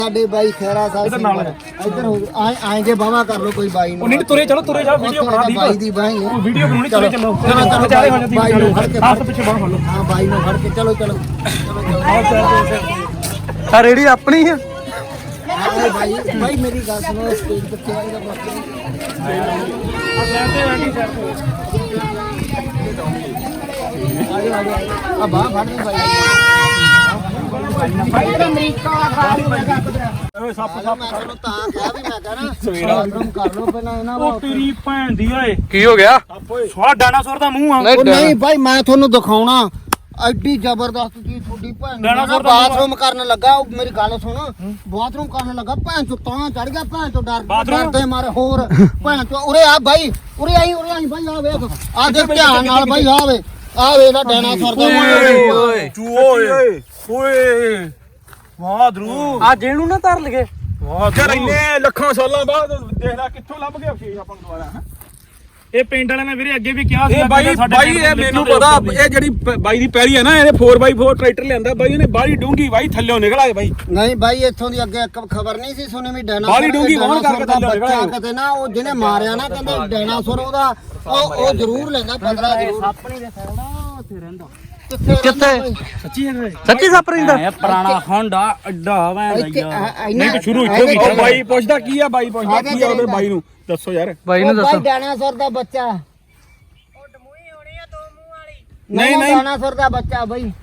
ਸਾਡੇ ਬਾਈ ਖੈਰਾ ਸਾਹਿਬ ਇਧਰ ਨਾਲ ਇਧਰ ਆਏ ਜੇ ਬਾਵਾ ਕਰ ਲੋ ਕੋਈ ਬਾਈ ਨੂੰ ਉਹ ਨਹੀਂ ਤੁਰੇ ਚਲੋ ਵੀਡੀਓ ਬਣਾ ਦੀ ਬਾਈ ਦੀ ਬਾਈ ਉਹ ਵੀਡੀਓ ਬਣਾਉਣੀ ਤੁਰੇ ਚਲੋ ਚਲੋ ਵਿਚਾਰੇ ਹੋ ਜਾਂਦੀ ਬਾਈ ਨੂੰ ਫੜ ਕੇ ਹੱਥ ਪਿੱਛੇ ਬਾਹਰ ਫੜ ਲਓ ਹਾਂ ਬਾਈ ਨੂੰ ਫੜ ਕੇ ਚਲੋ ਆ ਰੇੜੀ ਆਪਣੀ ਆ ਬਾਈ ਬਾਈ ਮੇਰੀ ਗੱਲ ਸੁਣੋ ਸਟੇਜ ਕਿੱਥੇ ਆਏਗਾ ਬਾਕੀ ਆ ਬਾਹ ਫੜ ਲਈ ਬਾਈ ਸੱਪ ਮੈਂ ਤੁਹਾਨੂੰ ਤਾਂ ਕਿਹਾ ਵੀ ਮੈਂ ਕਹਣਾ ਸਵੇਰਾ ਕਰ ਲੋ ਪਹਿਲਾਂ ਇਹਨਾਂ ਉਹ ਤੇਰੀ ਭੈਣ ਦੀ ਓਏ ਕੀ ਹੋ ਗਿਆ ਸਵਾ ਡਾਇਨਾਸੌਰ ਦਾ ਮੂੰਹ ਆ ਉਹ ਨਹੀਂ ਭਾਈ ਮੈਂ ਤੁਹਾਨੂੰ ਦਿਖਾਉਣਾ ਐਡੀ ਜ਼ਬਰਦਸਤ ਚੀਜ਼ ਤੁਹਾਡੀ ਭੈਣ ਡਾਇਨਾਸੌਰ ਦਾ ਬਾਥਰੂਮ ਕਰਨ ਲੱਗਾ ਉਹ ਮੇਰੀ ਗੱਲ ਸੁਣ ਬਾਥਰੂਮ ਕਰਨ ਲੱਗਾ ਭੈਣ ਚੋ ਤਾਂ ਚੜ ਗਿਆ ਭੈਣ ਚੋ ਡਰਦੇ ਮਾਰੇ ਹੋਰ ਭੈਣ ਚੋ ਉਰੇ ਆ ਭਾਈ ਉਰੇ ਆਈ ਭਾਈ ਆ ਵੇਖ ਆ ਦੇਖ ਧਿਆਨ ਨਾਲ ਭਾਈ ਆ ਵੇ ਇਹਦਾ ਡਾਇਨਾਸੌਰ ਦਾ ਓਏ ਓਏ ਵਾਹ ਦਰੂ ਆ ਜਿਹਨੂੰ ਨਾ ਧਰ ਲਗੇ ਵਾਹ ਯਾਰ ਇੰਨੇ ਲੱਖਾਂ ਸਾਲਾਂ ਬਾਅਦ ਦੇਖ ਲੈ ਕਿੱਥੋਂ ਲੱਭ ਗਿਆ ਫੇਰ ਆਪਾਂ ਨੂੰ ਦੁਬਾਰਾ ਇਹ ਪਿੰਡ ਵਾਲਿਆਂ ਨੇ ਵੀਰੇ ਅੱਗੇ ਵੀ ਕਿਹਾ ਸੀ ਇਹ ਬਾਈ ਇਹ ਮੈਨੂੰ ਪਤਾ ਇਹ ਜਿਹੜੀ ਬਾਈ ਦੀ ਪੈਰੀ ਹੈ ਨਾ ਇਹਨੇ 4x4 ਟਰੈਕਟਰ ਲਿਆਂਦਾ ਬਾਈ ਉਹਨੇ ਬਾਹਲੀ ਡੂੰਗੀ ਬਾਈ ਥੱਲਿਓਂ ਨਿਕਲ ਆਏ ਬਾਈ ਨਹੀਂ ਬਾਈ ਇੱਥੋਂ ਦੀ ਅੱਗੇ ਇੱਕ ਖਬਰ ਨਹੀਂ ਸੀ ਸੁਣੀ ਵੀ ਡਾਇਨਾਸੌਰ ਬਾਹਲੀ ਡੂੰਘੀ ਵਾਹਣ ਕਰਕੇ ਦਾ ਥੱਲੇ ਬੱਚਾ ਕਿਤੇ ਨਾ ਉਹ ਜਿਹਨੇ ਮਾਰਿਆ ਨਾ ਕਹਿੰਦੇ ਡਾਇਨਾਸੌਰ ਉਹਦਾ ਉਹ ਜ਼ਰੂਰ ਲੈਂਦਾ 15 ਜ਼ਰੂਰ ਸੱਪ ਨਹੀਂ ਦੇਖਦਾ ਉੱਥੇ ਰਹਿੰਦਾ ਕਿੱਥੇ ਸੱਚੀ ਹੈ ਸੱਚੀ ਸੱਪ ਰਹਿੰਦਾ ਇਹ ਪੁਰਾਣਾ ਹੋਂਡਾ ਅੱਡਾ ਨਹੀਂ ਤਾਂ ਸ਼ੁਰੂ ਇੱਥੋਂ ਉਹ ਬਾਈ ਪੁੱਛਦਾ ਕੀ ਆ ਬਾਈ ਪੁੱਛਦਾ ਕੀ ਆ ਉਹਦੇ ਬਾਈ ਨੂੰ ਦੱਸੋ ਯਾਰ ਬਾਈ ਨੂੰ ਦੱਸੋ ਡਾਇਨਾਸੌਰ ਦਾ ਬੱਚਾ ਉਹ ਡਮੂਈ ਹੋਣੀ ਆ 2 ਮੂੰਹ ਵਾਲੀ ਨਹੀਂ ਡਾਇਨਾਸੌਰ ਦਾ ਬੱਚਾ ਬਾਈ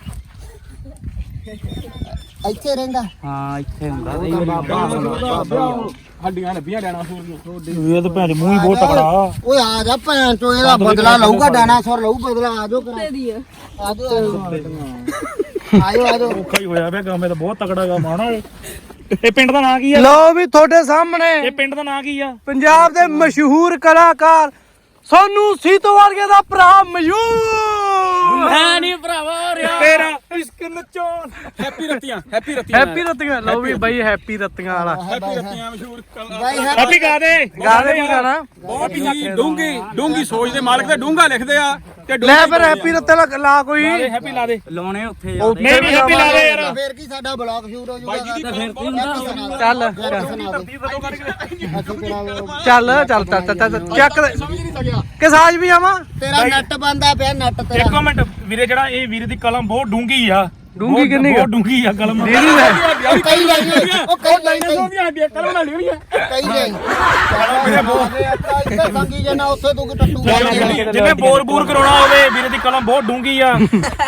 ਇੱਥੇ ਰਹਿੰਦਾ ਹਾਂ ਇੱਥੇ ਹੁੰਦਾ ਹੱਡੀਆਂ ਲੱਭੀਆਂ ਡਾਇਨਾਸੌਰ ਦੀਆਂ ਇਹ ਤਾਂ ਭੈਣ ਮੂੰਹ ਹੀ ਬਹੁਤ ਤਕੜਾ ਓਏ ਆ ਜਾ ਭੈਣ ਚੋ ਇਹਦਾ ਬਦਲਾ ਲਊਗਾ ਡਾਇਨਾਸੌਰ ਲਊ ਬਦਲਾ ਆਜੋ ਕਰਾ ਆਜੋ ਔਖਾ ਹੀ ਹੋਇਆ ਵੇ ਕੰਮ ਇਹ ਤਾਂ ਬਹੁਤ ਤਕੜਾ ਗਾ ਮਾਣਾ ਇਹ ਪਿੰਡ ਦਾ ਨਾਂ ਕੀ ਆ ਲਓ ਵੀ ਤੁਹਾਡੇ ਸਾਹਮਣੇ ਇਹ ਪਿੰਡ ਦਾ ਨਾਂ ਕੀ ਆ ਪੰਜਾਬ ਦੇ ਮਸ਼ਹੂਰ ਕਲਾਕਾਰ ਸੋਨੂ ਸੀਤੋ ਵਰਗੇ ਦਾ ਭਰਾ ਮਯੂਰ ਮੈਂ ਨਹੀਂ ਭਰਾਵਾ ਰਿਹਾ ਤੇਰਾ ਇਸ਼ਕ ਨਚੋਣ ਹੈਪੀ ਰਤੀਆਂ ਹੈਪੀ ਰਤੀਆਂ ਲਓ ਵੀ ਬਾਈ ਹੈਪੀ ਰਤੀਆਂ ਵਾਲਾ ਹੈਪੀ ਰਤੀਆਂ ਮਸ਼ਹੂਰ ਬਾਈ ਹੈਪੀ ਗਾ ਦੇ ਗਾਣੇ ਕੀ ਗਾਣਾ ਬਹੁਤ ਹੀ ਡੂੰਗੀ ਸੋਚ ਦੇ ਮਾਲਕ ਤੇ ਡੂੰਗਾ ਲਿਖਦੇ ਆ ਤੇ ਲੈ ਫਿਰ ਹੈਪੀ ਰਤੇ ਲਾ ਕੋਈ ਹੈਪੀ ਲਾ ਦੇ ਲਾਉਣੇ ਉੱਥੇ ਨਹੀਂ ਨਹੀਂ ਹੈਪੀ ਲਾ ਦੇ ਯਾਰ ਫੇਰ ਕੀ ਸਾਡਾ ਬਲੌਗ ਸ਼ੂਟ ਹੋ ਬਾਈ ਜੀ ਜਾਊਗਾ ਦੀ ਬਹੁਤ ਚੱਲ ਚੱਲ ਚੱਕ ਸਮਝ ਨਹੀਂ ਸਕਿਆ ਕਿ ਸਾਜ ਵੀ ਆਵਾਂ ਤੇਰਾ ਨੱਟ ਬੰਦਾ ਪਿਆ ਨੱਟ ਇੱਕ ਤੇਰਾ ਮਿੰਟ ਵੀਰੇ ਜਿਹੜਾ ਇਹ ਵੀਰੇ ਦੀ ਕਲਮ ਬਹੁਤ ਡੂੰਗੀ ਆ ਡੂੰਘੀ ਕਿੰਨੀ ਬਹੁਤ ਡੂੰਗੀ ਆ ਕਲਮ ਡੇਰੀ ਲੈ ਕਈ ਜਾਈ ਉਹ ਕਈ ਜਾਈ ਸੋਹਣੀਆਂ ਹੱਡੀਆਂ ਕਲਮ ਨਾਲ ਲਿਖਣੀਆਂ ਕਈ ਜਾਈ ਮੇਰੇ ਬਹੁਤ ਇੱਥੇ ਸੰਗੀ ਜਨਾ ਉੱਥੇ ਤੂੰ ਕਿ ਟੱਟੂ ਜਿਵੇਂ ਬੋਰ ਕਰਾਉਣਾ ਹੋਵੇ ਵੀਰੇ ਦੀ ਕਲਮ ਬਹੁਤ ਡੂੰਗੀ ਆ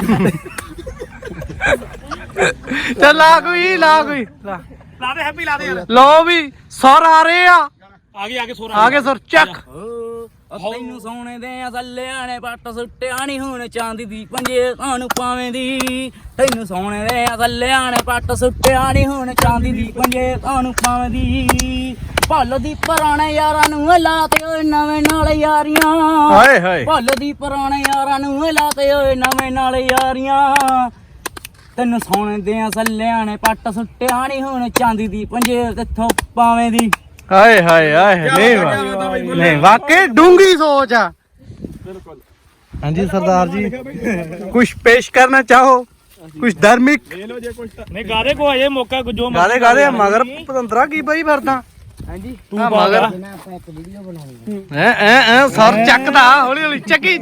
ਚੱਲ ਲਾ ਕੋਈ ਲਾ ਦੇ ਹੈਪੀ ਲਾ ਦੇ ਯਾਰ ਲਓ ਵੀ ਸਰ ਆ ਰਹੇ ਆ ਆਗੇ ਸੋਰਾ ਆਗੇ ਸਰ ਚੱਕ ਤੈਨੂੰ ਸੋਨੇ ਦੇ ਅਸਲਿਆਂ ਨੇ ਪੱਟ ਸੁੱਟਿਆ ਨਹੀਂ ਹੁਣ ਚਾਂਦੀ ਦੀ ਪੰਜੇ ਸਾਨੂੰ ਪਾਵੇਂ ਦੀ ਤੈਨੂੰ ਸੋਨੇ ਦੇ ਅਸਲਿਆਂ ਨੇ ਪੱਟ ਸੁੱਟਿਆ ਨਹੀਂ ਹੁਣ ਚਾਂਦੀ ਦੀ ਪੰਜੇ ਸਾਨੂੰ ਪਾਵੇਂ ਦੀ ਭੱਲ ਦੀ ਪੁਰਾਣੇ ਯਾਰਾਂ ਨੂੰ ਲਾਤੇ ਓਏ ਨਵੇਂ ਨਾਲ ਯਾਰੀਆਂ ਹਾਏ ਹਾਏ ਭੱਲ ਦੀ ਪੁਰਾਣੇ ਯਾਰਾਂ ਨੂੰ ਲਾਤੇ ਓਏ ਨਵੇਂ ਨਾਲ ਯਾਰੀਆਂ ਤੈਨੂੰ ਸੋਨੇ ਦੇ ਅਸਲਿਆਂ ਨੇ ਪੱਟ ਸੁੱਟਿਆ ਨਹੀਂ ਹੁਣ ਚਾਂਦੀ ਦੀ ਪੰਜੇ ਕਿੱਥੋਂ ਪਾਵੇਂ ਦੀ ਹਾਏ ਨਹੀਂ ਵਾਕਈ ਡੂੰਗੀ ਸੋਚ ਆ ਬਿਲਕੁਲ ਹਾਂਜੀ ਸਰਦਾਰ ਜੀ ਕੁਝ ਪੇਸ਼ ਕਰਨਾ ਚਾਹੋ ਕੁਝ ਧਾਰਮਿਕ ਲੈ ਲਓ ਜੇ ਕੁਝ ਤਾਂ ਨਹੀਂ ਗਾਦੇ ਕੋ ਅਜੇ ਮੌਕਾ ਜੋ ਗਾਦੇ ਮਗਰ ਪਤੰਦਰਾ ਕੀ ਪਈ ਫਿਰਦਾ ਹਾਂਜੀ ਤੂੰ ਮਗਰ ਇਹਨਾਂ ਆਪਾਂ ਇੱਕ ਵੀਡੀਓ ਬਣਾਉਣੀ ਐ ਸਰ ਚੱਕਦਾ ਹੌਲੀ ਚੱਕੀ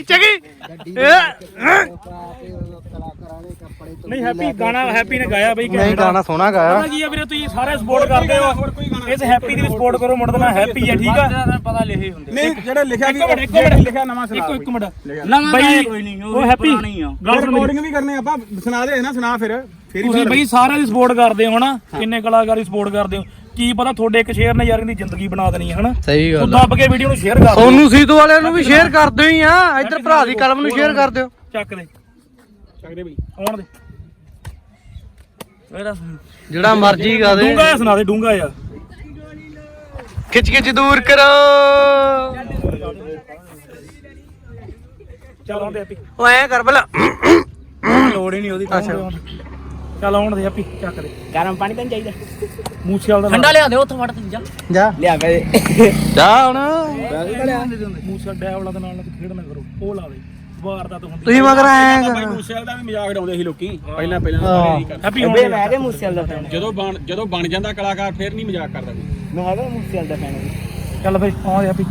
ਕਲਾਕਾਰਾਂ ਦੇ ਕੱਪੜੇ ਨਹੀਂ ਹੈਪੀ ਗਾਣਾ ਹੈਪੀ ਨੇ ਗਾਇਆ ਬਈ ਨਹੀਂ ਗਾਣਾ ਸੋਹਣਾ ਗਾਇਆ ਕੀ ਆ ਵੀਰੇ ਤੁਸੀਂ ਸਾਰੇ ਸਪੋਰਟ ਕਰਦੇ ਹੋ ਇਸ ਹੈਪੀ ਦੀ ਵੀ ਸਪੋਰਟ ਕਰੋ ਮੁੰਡੇ ਦਾ ਨਾਂ ਹੈਪੀ ਆ ਠੀਕ ਆ ਪਤਾ ਲਿਖੇ ਹੁੰਦੇ ਨਹੀਂ ਜਿਹੜਾ ਲਿਖਿਆ ਇੱਕ ਮਿੰਟ ਲਿਖਿਆ ਨਵਾਂ ਸੁਣਾ ਇੱਕ ਮਿੰਟ ਨਵਾਂ ਬਈ ਕੋਈ ਨਹੀਂ ਉਹ ਹੈਪੀ ਪੁਰਾਣੀ ਆ ਗੱਲ ਸੁਣ ਰਿਕਾਰਡਿੰਗ ਵੀ ਕਰਨੇ ਆਪਾਂ ਸੁਣਾ ਦੇ ਨਾ ਸੁਣਾ ਫਿਰ ਤੁਸੀਂ ਬਈ ਸਾਰਿਆਂ ਦੀ ਸਪੋਰਟ ਕਰਦੇ ਹੋ ਨਾ ਕਿੰਨੇ ਕਲਾਕਾਰ ਦੀ ਸਪੋਰਟ ਕਰਦੇ ਹੋ ਕੀ ਪਤਾ ਤੁਹਾਡੇ ਇੱਕ ਸ਼ੇਅਰ ਨੇ ਯਾਰ ਦੀ ਜ਼ਿੰਦਗੀ ਬਣਾ ਦੇਣੀ ਹੈ ਹਨਾ ਸਹੀ ਤੂੰ ਦੱਬ ਕੇ ਵੀਡੀਓ ਨੂੰ ਸ਼ੇਅਰ ਕਰ ਸੋਨੂ ਸੀਤੋ ਵਾਲਿਆਂ ਨੂੰ ਵੀ ਸ਼ੇਅਰ ਕਰ ਦਿਓ ਹੀ ਆ ਇੱਧਰ ਭਰਾ ਦੀ ਕਲਮ ਨੂੰ ਸ਼ੇਅਰ ਕਰ ਦਿਓ ਚੱਕ ਦੇ ਬਈ ਆਉਣ ਦੇ ਜਿਹੜਾ ਮਰਜੀ ਗਾ ਦੇ ਡੂੰਗਾ ਜਿਹਾ ਸੁਣਾ ਦੇ ਡੂੰਗਾ ਆ ਖਿੱਚ ਦੂਰ ਕਰੋ ਚੱਲ ਆਉਂਦੇ ਹੈਪੀ ਉਹ ਐ ਕਰ ਭਲਾ ਲੋੜ ਹੀ ਨਹੀਂ ਉਹਦੀ ਅੱਛਾ ਚੱਲ ਆਉਣ ਦੇ ਹੈਪੀ ਚੱਕ ਦੇ ਗਰਮ ਪਾਣੀ ਤਾਂ ਚਾਹੀਦਾ ਮੂਸੇ ਵਾਲਾ ਠੰਡਾ ਲਿਆ ਦੇ ਉੱਥੋਂ ਫੜ ਤੂੰ ਜਾ ਜਾ ਲਿਆ ਵੇ ਜਾ ਹੁਣ ਮੂਸੇ ਡੈ ਵਾਲਾ ਦੇ ਨਾਲ ਖੇਡ ਨਾ ਕਰੋ ਉਹ ਲਾ ਦੇ ਵਾਰਦਾਤ ਹੁੰਦੀ ਤੁਸੀਂ ਮਗਰ ਐਂ ਬਾਈ ਮੂਸੇਵਾਲੇ ਦਾ ਵੀ ਮਜ਼ਾਕ ਉਡਾਉਂਦੇ ਸੀ ਲੋਕੀ ਪਹਿਲਾਂ ਸਾਰੇ ਇਹੀ ਕਰਦੇ। ਹੈਪੀ ਹੁਣ ਹੈਗੇ ਮੂਸੇਵਾਲ ਦਾ ਫੈਨ ਜਦੋਂ ਬਣ ਜਾਂਦਾ ਕਲਾਕਾਰ ਫਿਰ ਨਹੀਂ ਮਜ਼ਾਕ ਕਰਦਾ ਕੋਈ। ਮੈਂ ਹੈਗਾ ਮੂਸੇਵਾਲ ਦਾ ਫੈਨ ਚੱਲ ਬਈ ਆ ਹੈਪੀ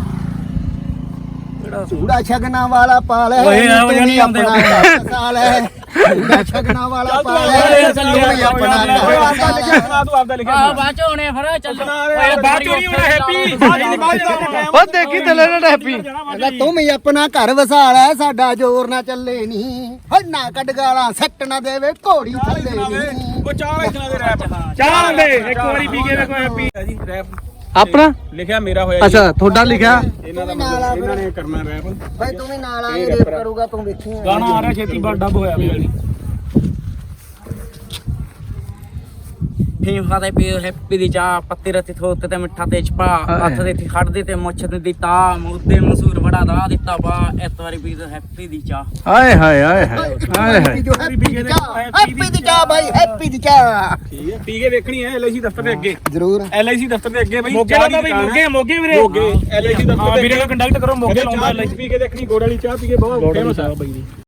ਚੂੜਾ ਛਗਣਾ ਵਾਲਾ ਪਾਲੇ ਓਏ ਆ ਵਜਾ ਨਹੀਂ ਆਉਂਦੇ ਸਾਲ ਹੈ ਚੂੜਾ ਛਗਣਾ ਵਾਲਾ ਪਾਲੇ ਤੂੰ ਵੀ ਆਪਣਾ ਓਏ ਆਪਦਾ ਲਿਖਿਆ ਸੁਣਾ ਤੂੰ ਆਪਦਾ ਲਿਖਿਆ ਆ ਬਾਅਦ ਚ ਹੋਣੇ ਫਿਰ ਚੱਲ ਓਏ ਬਾਅਦ ਚੋਂ ਨਹੀਂ ਹੋਣਾ ਹੈਪੀ ਉਹ ਦੇਖੀ ਥੱਲੇ ਨਾ ਟੈਪੀ ਕਹਿੰਦਾ ਤੂੰ ਵੀ ਆਪਣਾ ਘਰ ਵਸਾ ਲੈ ਸਾਡਾ ਜ਼ੋਰ ਨਾ ਚੱਲੇ ਨਹੀਂ ਹੰਨਾ ਕੱਢ ਗਾਲਾਂ ਸੱਟ ਨਾ ਦੇਵੇ ਘੋੜੀ ਥੱਲੇ ਨਹੀਂ ਉਹ ਚਾਹ ਹੀ ਸੁਣਾ ਦੇ ਰੈਪ ਚਾਹ ਦੇ ਇੱਕ ਵਾਰੀ ਪੀ ਕੇ ਵੇਖੋ ਹੈਪੀ ਜੀ ਰੈਪ ਆਪਣਾ ਲਿਖਿਆ ਮੇਰਾ ਹੋਇਆ ਜੀ। ਅੱਛਾ ਤੁਹਾਡਾ ਲਿਖਿਆ ਇਹਨਾਂ ਦਾ ਮਤਲਬ ਇਹਨਾਂ ਨੇ ਕਰਨਾ ਰੈਪ ਭਾਈ ਤੂੰ ਵੀ ਨਾਲ ਆ ਰੇਪ ਕਰੂਗਾ ਤੂੰ ਵੇਖੀ ਗਾਣਾ ਆ ਰਿਹਾ ਛੇਤੀ ਬੜ ਡੱਬ ਹੋਇਆ ਪਿਆ ਜੀ ਫੀਮ ਖਾਦੇ ਪੀ ਹੈਪੀ ਦੀ ਚਾਹ ਪੱਤੀ ਰਤੀ ਥੋਤੇ ਤੇ ਮਿੱਠਾ ਤੇਜ ਪਾ ਹੱਥ ਦੇ ਤੇ ਖੜਦੇ ਤੇ ਮੁੱਛ ਤੇ ਦਿੱਤਾ ਮੁੱਦੇ ਮਸੂਰ ਬੜਾ ਦਾ ਦਿੱਤਾ ਬਾ ਇਸ ਵਾਰੀ ਪੀ ਹੈਪੀ ਦੀ ਚਾਹ ਆਏ ਹਾਏ ਆਏ ਹਾਏ ਆਏ ਹਾਏ ਹੈਪੀ ਦੀ ਚਾਹ ਭਾਈ ਹੈਪੀ ਦੀ ਚਾਹ ਠੀਕ ਹੈ ਪੀ ਕੇ ਵੇਖਣੀ ਹੈ LIC ਦਫ਼ਤਰ ਦੇ ਅੱਗੇ ਜ਼ਰੂਰ LIC ਦਫ਼ਤਰ ਦੇ ਅੱਗੇ ਬਈ ਮੋਗੇ ਲਾਉਂਦਾ ਬਈ ਮੋਗੇ ਵੀਰੇ ਮੋਗੇ LIC ਦਫ਼ਤਰ ਹਾਂ ਦੇ ਵੀਰੇ ਨੂੰ ਕੰਟੈਕਟ ਕਰੋ ਮੋਗੇ ਲਾਉਂਦਾ ਚਾਹ ਪੀ ਕੇ ਦੇਖਣੀ ਗੋੜ ਵਾਲੀ ਚਾਹ ਪੀ ਕੇ ਬਹੁਤ ਫੇਮਸ ਆ ਬਈ